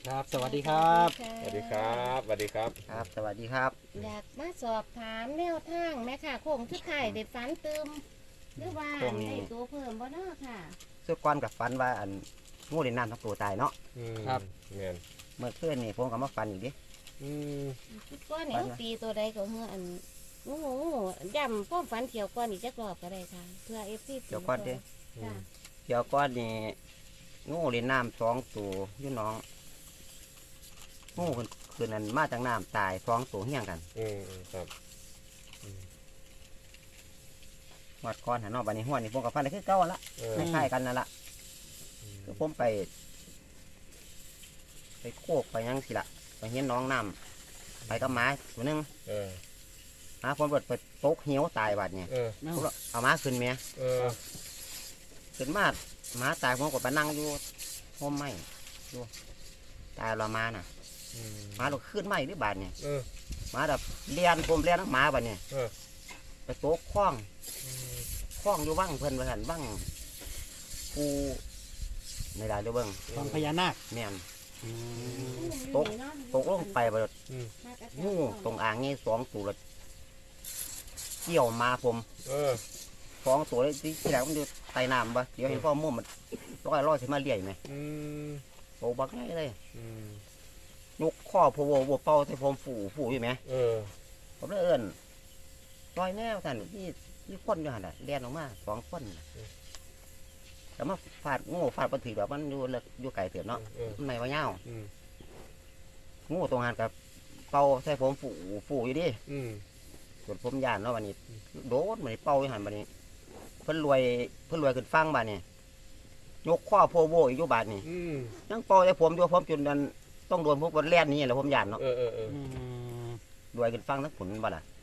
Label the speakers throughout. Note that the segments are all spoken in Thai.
Speaker 1: ครับสวัสดีครับ
Speaker 2: สวัสดีครับสวัสดีครับ
Speaker 3: ครับสวัสดีครับ
Speaker 4: อยากมาสอบถามแนวทางแม่ค่ะโค้งชุดไข่เด็ดฝันเติมหรือว่าได้ตัวเพิ่มบ่เนาะค่ะ
Speaker 3: สุดก้อนกับฟันว่าอันงูเล่นน้ำทั้งตัวตายเนาะ
Speaker 1: ครับ
Speaker 2: เงี้ย
Speaker 3: เมื่อคืนนี่ผมก็มาฟันอีกดิ
Speaker 4: ชุดก้อนนี่เขาตีตัวใดก็เฮืออันงูย่ำป้อมฝันเที่ยวก้อนอีกจักรอบก็ได้ค่ะ เพื่อFC
Speaker 3: เดี๋ยวก้อนดิ
Speaker 4: จ้ะ
Speaker 3: เดี๋ยวก้อนนี่งูเล่นน้ำสองตัวอยุ่น้องงูคืนนั้นมาจากน้ำตายสองตัวเฮี้ยงกัน
Speaker 2: ครับ
Speaker 3: หวัดก้อนหันนอกบันนี้หัวนี่ผมกับฟันได้คือเก่าละคล้ายๆกันนั่นละคือผมไปโคกไปยังสิละไปเห็นน้องน้ำไปกับหมาตัวหนึงหมาผมเปิดไปตกเหี้ยวตายบาดเนี่ยเอาหมาขึ้นเมีย ขึ้นมาหมาตายผมก็ไปนั่งอยู่ห้องไม้อยู่ตายเรามาน่ะหมาเราขึ้นไม้หรือบาดเนี่ยหมาแบบเลียนผมเลียนทั้งหมาบาดเนี่ยไปโต๊ะคล้องอยู่ว่างเพิ่นไปหันว่างปูในได้ด้วยเบิ้ง
Speaker 1: วังพญานาค
Speaker 3: แม่น
Speaker 1: อืม
Speaker 3: ตกลงไปบาดงูตรงอ่างนี่สองตัวละเกี่ยวมาผมสองตัวเลยที่แรกมันอยู่ใต้น้ำปะเดี๋ยวเห็นพ่อมุ่งมันลอยขึ้นมาเลี่ยไหมโอ้บักง่ายเลยยกข้อพวบเป่าใส่ผมฝูอยู่ไหมผมเลยเอิ้นลอยแนวท่านที่คนอยู่หันน่ะเลียนออกมาสองคนน่ะแต่มาฟาดงูฟาดปฏิแบบมันอยู่ไก่เถื่อนเนาะมันไม่ว่าเงางูตรงหันกับเป่าใส่ผมฝูอยู่ดิส่วนผมยานเนาะวันนี้โดนเหมือนเป่าอยู่หันวันนี้เพิ่นรวยขึ้นฟังบ้านนี่ยกข้อโพโวอีกอยู่บาทนี่ยังเป่าใส่ผมอยู่ผมจนนั้นต้องโดนพวกบนแล่นนี่แหละผมยานเนาะ
Speaker 1: อืม
Speaker 3: รวยขึ้นฟังทั้งผลบ่ล่ะ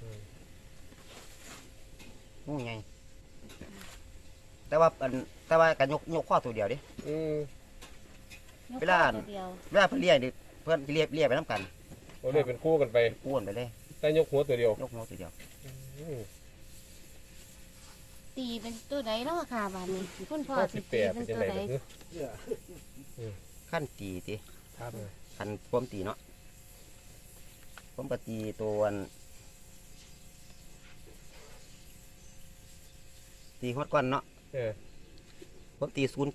Speaker 3: งูไงแต่ว่าการยกข้อตัวเดียวดิ เวลา
Speaker 4: เดียว
Speaker 3: เวลาเพิ่นเลี้ยดิเพิ่นเลี้ยไปน้ำกัน
Speaker 2: เราเลยเป็นคู่กันไป
Speaker 3: อ้วนไปเลย
Speaker 2: แต่ยกหัวตัวเดียวย
Speaker 3: กหัวตัวเดียว
Speaker 4: ตีเป็นตัวใดเนาะค่ะบาดนี้คุณพ่อสิ
Speaker 2: 58
Speaker 4: ตี
Speaker 2: เป็
Speaker 4: เป็น น
Speaker 2: ยัง
Speaker 4: ตัว
Speaker 2: ไง
Speaker 4: ใด
Speaker 3: ขั้นตีติ
Speaker 1: ครับ
Speaker 3: ขั้นผมตีเนาะผมก็ตีตัวตีฮอดก้อนเนาะผมตี07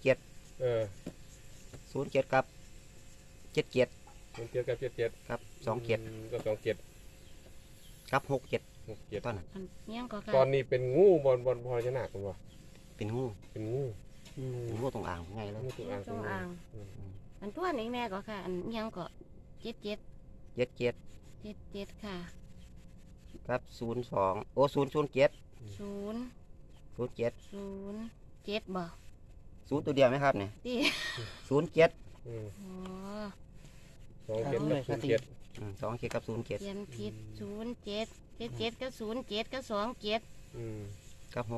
Speaker 3: กับ77
Speaker 2: มันเทียบกับ77
Speaker 3: ครับ27
Speaker 2: ก็27
Speaker 3: กับ67
Speaker 2: 67
Speaker 3: ตอนนั้น
Speaker 4: อันเนี้ยก็ค่ะ
Speaker 2: ตอนนี้เป็นงูบอลพญานาคคุณวะ
Speaker 3: เป็นงู
Speaker 2: เป็นงู
Speaker 1: อืม
Speaker 3: เป็นงูตรงอ่างไงเลย
Speaker 2: งูตัวอ่าง
Speaker 4: จงอ่างอันตัวนี้แม่ก็ค่ะ อันเนี้ยก็77
Speaker 3: 77
Speaker 4: ค่ะ
Speaker 3: กับ02โอ้007
Speaker 4: 0
Speaker 3: 07
Speaker 4: 07บ่
Speaker 3: ศูนย์ตัวเดียวไหมครับเนี่ย
Speaker 4: ตี
Speaker 3: 07
Speaker 4: อ๋อ
Speaker 2: 27กับ07
Speaker 3: 27กับ07
Speaker 4: เขียนผิด07 77ก็07ก็27
Speaker 3: กับ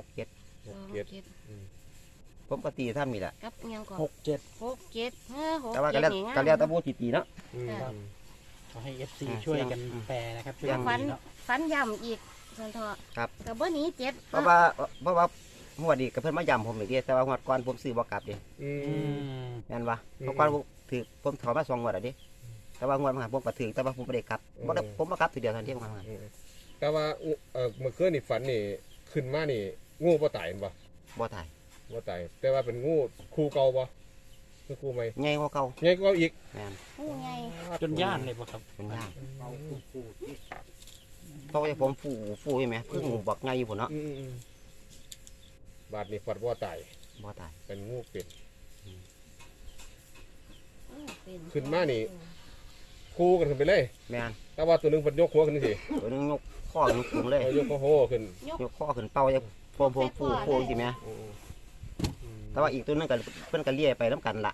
Speaker 4: 27
Speaker 3: ผมก็ตีท่ามีแหละ
Speaker 4: กับเนี้ยก็
Speaker 1: 67
Speaker 4: 67
Speaker 3: แต่ว่าก็แล้วแตะบูตีเนาะ
Speaker 1: ขอให้ FC ช่วยกันแปลนะครับช่วยกัน
Speaker 4: ฝัน
Speaker 1: ดีเนาะ
Speaker 4: ฝันย่ำอีกสันทอ
Speaker 3: ครับ
Speaker 4: กับบ่หนี้เจ็ด
Speaker 3: เพราะว่าหัวดดีกับเพื่อนมาย่ำผมอีกทีแต่ว่าหัวดก่อนผมซื้อบ่กลับดิ
Speaker 1: อืม
Speaker 3: แม่นวะเพราะก่อนผมถือผมถอนมา2 งวดอ่ะดิแต่ว่าหัวดมาผมก็ถือแต่ว่าผมไม่ได้กลับผมมากับทีเดียวทันทีผมมา
Speaker 2: แต่ว่าเมื่อคืนนี่ฝันนี่ขึ้นมานี่งูบ่ตายบ่
Speaker 3: บ่ตาย
Speaker 2: บ่ตายแต่ว่าเป็นงูคู่เก่าบ่คือคู่ใหม่
Speaker 3: ใหญ่กว่าเก่า
Speaker 2: ใหญ่กว่าอีก
Speaker 3: แม่น
Speaker 4: ผู้ไง
Speaker 1: จนย่านเลยป่ะครับ
Speaker 3: เป็นยากเพราะว่าผมฟูใช่ไหมเพิ่งบักไงอยู่พุ่นเนาะ
Speaker 2: บาดนี่ฝันบ่ตาย
Speaker 3: บ่ตาย
Speaker 2: เป็นงูเป็ด
Speaker 4: เป็น
Speaker 2: ขึ้นมานี่ คู่กันขึ้นไปเลย
Speaker 3: แม่น
Speaker 2: แต่ว่าตัวหนึงเพิ่นยกหัวขึ้นสิ
Speaker 3: ตัวนึงยกข้อขึ้นสูงเลย
Speaker 2: เอายกโหขึ้น
Speaker 3: ยกข้อขึ้นเป้าจะผมฟูจริงไหมแต่ว่าอีกตัวนึงก็เพิ่นก็เลี้ยไปน้ำกันละ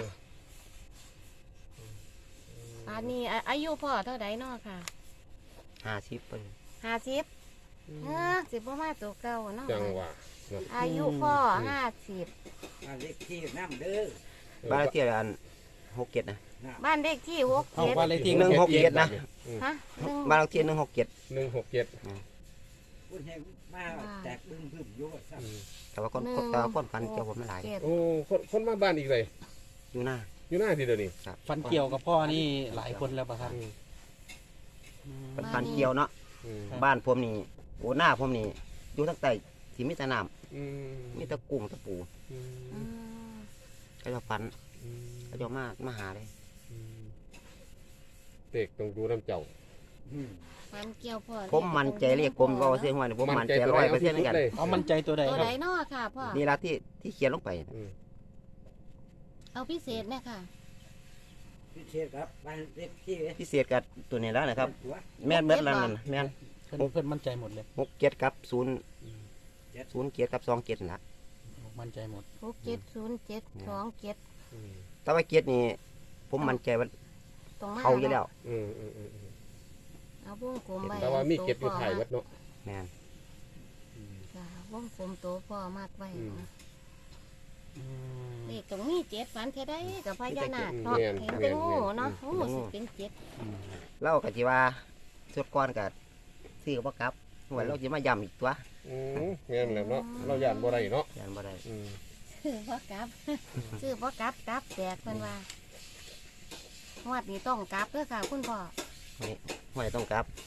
Speaker 4: อันนี้อายุพ่อเท่าใดเนาะค่ะ
Speaker 3: 50 ปี
Speaker 4: 50สิบประมาณตัวเก่าเนาะ
Speaker 2: จังหวะ
Speaker 4: อายุพ่อ50
Speaker 5: เลขที่น้ำเด้อ
Speaker 3: บ้านเลขที่อัน67นะ
Speaker 4: บ้านเลขที่
Speaker 1: เอาว่า
Speaker 4: 67
Speaker 1: เลยที่
Speaker 3: 167นะ
Speaker 4: ฮะ
Speaker 3: บ้านเลขที่167
Speaker 2: 167
Speaker 5: คุณให้มาแตกบึ้งพึ่มโยดซ้
Speaker 3: แต่ว่าคนฟันเกี่ยวผมไม่หลาย
Speaker 4: เจ็ด
Speaker 2: โอ้คนมาบ้านอีกเลย
Speaker 3: อยู่หน้า
Speaker 2: อยู่หน้าที่เดียวนี้
Speaker 3: ครับ
Speaker 1: ฟันเกี่ยวกับพ่อนี่หลายคนแล้วป่ะครับ
Speaker 3: เป็นพันเกี่ยวเนาะ
Speaker 2: อืม
Speaker 3: บ้านผมนี่โอ้หน้าผมนี่อยู่ทั้งใต้ที่มีแต่น้
Speaker 2: อืม
Speaker 3: ำมีแต่กุ้งตะปู
Speaker 2: อืม
Speaker 4: อืม
Speaker 3: ก็จะฟัน
Speaker 2: อืม
Speaker 3: ก็จะมาหาเลย
Speaker 2: อืมเด็กต้องดูน้ำเจ้า
Speaker 4: ฟันเกี่ยวพ่อ
Speaker 3: ผมมั่นใจเรียกผมก็ว่าเสียงหัวนี่ผมมั่นใจ100%เหมือนกัน
Speaker 1: เอามั่นใจตัวใด
Speaker 4: ตัว
Speaker 1: ครับ
Speaker 4: ใดเนาะค่ะพ่อ
Speaker 3: นี่ละที่เขียนลงไป
Speaker 2: อืม
Speaker 4: เอาพิเศษเนี่ยค่ะ
Speaker 5: พิเศษครับบ้านเล็กที่
Speaker 3: พิเศษกับตัวนี้แล้วนะครับ
Speaker 5: ตัว
Speaker 3: แม่นเบิดแล้วนั่นแม่น
Speaker 1: เพื่อนมั่นใจหมดเลย
Speaker 3: 6 7กับ0 7กับ2 7นะ
Speaker 1: มั่นใจหมด
Speaker 4: 670727
Speaker 2: อืม
Speaker 3: แต่ว่า7นี่ผมมั่นใจว่า
Speaker 4: ตรงมา
Speaker 3: เขาอยู่แล้ว
Speaker 2: อืมอืมอืมอืม
Speaker 4: เอาวงกลมไว้
Speaker 2: แต่ว่ามีเก็บอยู่ไทยวัดเนาะ
Speaker 3: แม่น
Speaker 2: อืม
Speaker 4: จ้ะวงกลมโตพ่อมากไว้
Speaker 2: อืม
Speaker 4: เลขตรงนี้7ฝันเท่าใดกับพญานาคเนาะ
Speaker 2: แม่น
Speaker 4: เห็นเป็นงู
Speaker 2: แม่น
Speaker 4: เนาะงูสิเป็น7
Speaker 3: เราก็สิว่าสุดก่อนก็ซื้อบ่กลับหวยเราสิมาย้ำอีกตัว
Speaker 2: อืมแม่นแหล้วเนาะเราย่านบ่ได้เนาะ
Speaker 3: ยันบ่ได้
Speaker 2: อืม
Speaker 4: ซื้อบ่กลับ ซื้อบ่กลับกลับแตกเพิ่นว่าฮอดนี้ต้องกลับเด้อค่ะคุณพ่อ
Speaker 3: หวยต้องกลับ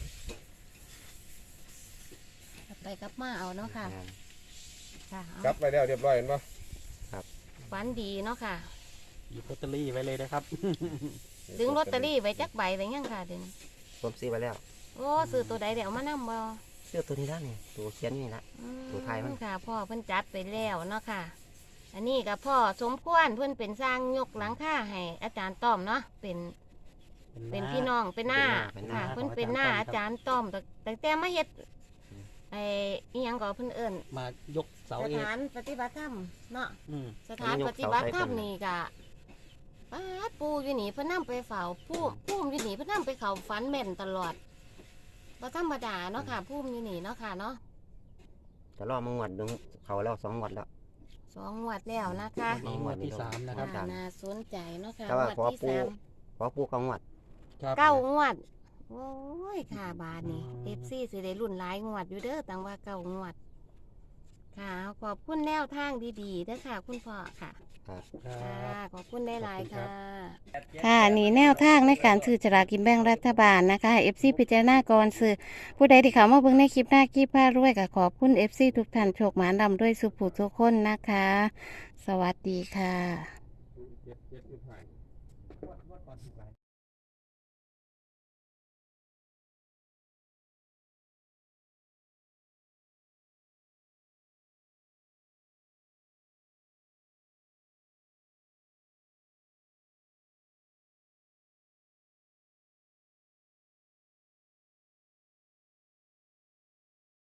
Speaker 4: กลับไปกลับมาเอาเนาะค่ะ
Speaker 3: แม่น
Speaker 4: ค่ะเอา
Speaker 2: กลับไปแล้วเรียบร้อยเห็นปะ
Speaker 4: ฝันดีเนาะค่ะ
Speaker 1: หยิบลอตเตอรี่ไว้เลยนะครับ
Speaker 4: ดึงลอตเตอรี่ไว้จักใบไว้ยังค่ะเดี๋ยวนี้
Speaker 3: ผมซื้อไปแล้ว
Speaker 4: โอ้ซื้อตัวใดเดี๋ยวเอามานำบ่
Speaker 3: ซื้อตัวนี้แล้วนี่ตัวเขียนนี่ละ ตัวไทยมั้ง
Speaker 4: ค่ะพ่อเพิ่นจัดไปแล้วเนาะค่ะ อันนี้กับพ่อสมควรเพิ่นเป็นสร้างยกหลังคาให้อาจารย์ต้อมเนาะเป็นพี่น้องเป็นหน้าค่ะเพิ่นเป็นหน้าอาจารย์ต้อมแต่มาเฮ็ดไอ้อีหยังก็เพิ่นเอิ้น
Speaker 1: มายกเสา
Speaker 4: ส
Speaker 1: เอก
Speaker 4: ถานปฏิบัติธรรมเนาะ
Speaker 1: อืม
Speaker 4: สถานปฏิบัติธรรมนี่กะป้าดปูอยู่นี่เพิ่นนํไปเฝ้าพุ่มอยู่นี่เพิ่นนํไปเข้าฝันแม่นตลอดบ่ธรรมดาเนาะค่ะพุ่มอยู่นี่เนาะค่ะเนาะ
Speaker 3: แต่รอมางวดหนึงเขาแล้ว2งวดแล้ว
Speaker 4: 2 งวดแล้วนะคะ
Speaker 1: นี่งวดที่ 3นะครับ
Speaker 4: น่าสนใจเนาะค่ะ
Speaker 3: แต่ว่าง
Speaker 4: วด
Speaker 3: ขอ
Speaker 4: ที่
Speaker 3: ปู
Speaker 4: สาม
Speaker 3: ขอปูเขางวด
Speaker 1: ครับ
Speaker 4: 9 งวด โอ้ยค่ะบาทนี่ FC สิได้รุ่นหลายงวดอยู่เด้อต่างว่า9 งวด ค่ะขอบคุณแนวทางดีๆเด้อค่ะ คุณพ่อค่ะ
Speaker 1: ครับ
Speaker 4: ค่ะขอบคุณได้หลายๆ
Speaker 1: ขอบคุณครั
Speaker 4: ค่ะ
Speaker 1: บ
Speaker 4: ค่ะนี่แนวทางในการซื้อฉลากกินแบ่งรัฐบาลนะคะ FC พิจารณาก่อนซื้อผู้ใดที่เขามาเบิ่งในคลิปหน้าคลิปผ้ารวยก็ขอบคุณ FC ทุกท่านโชคหมานำด้วยสุขผู้ทุกคนนะคะ สวัสดีค่ะ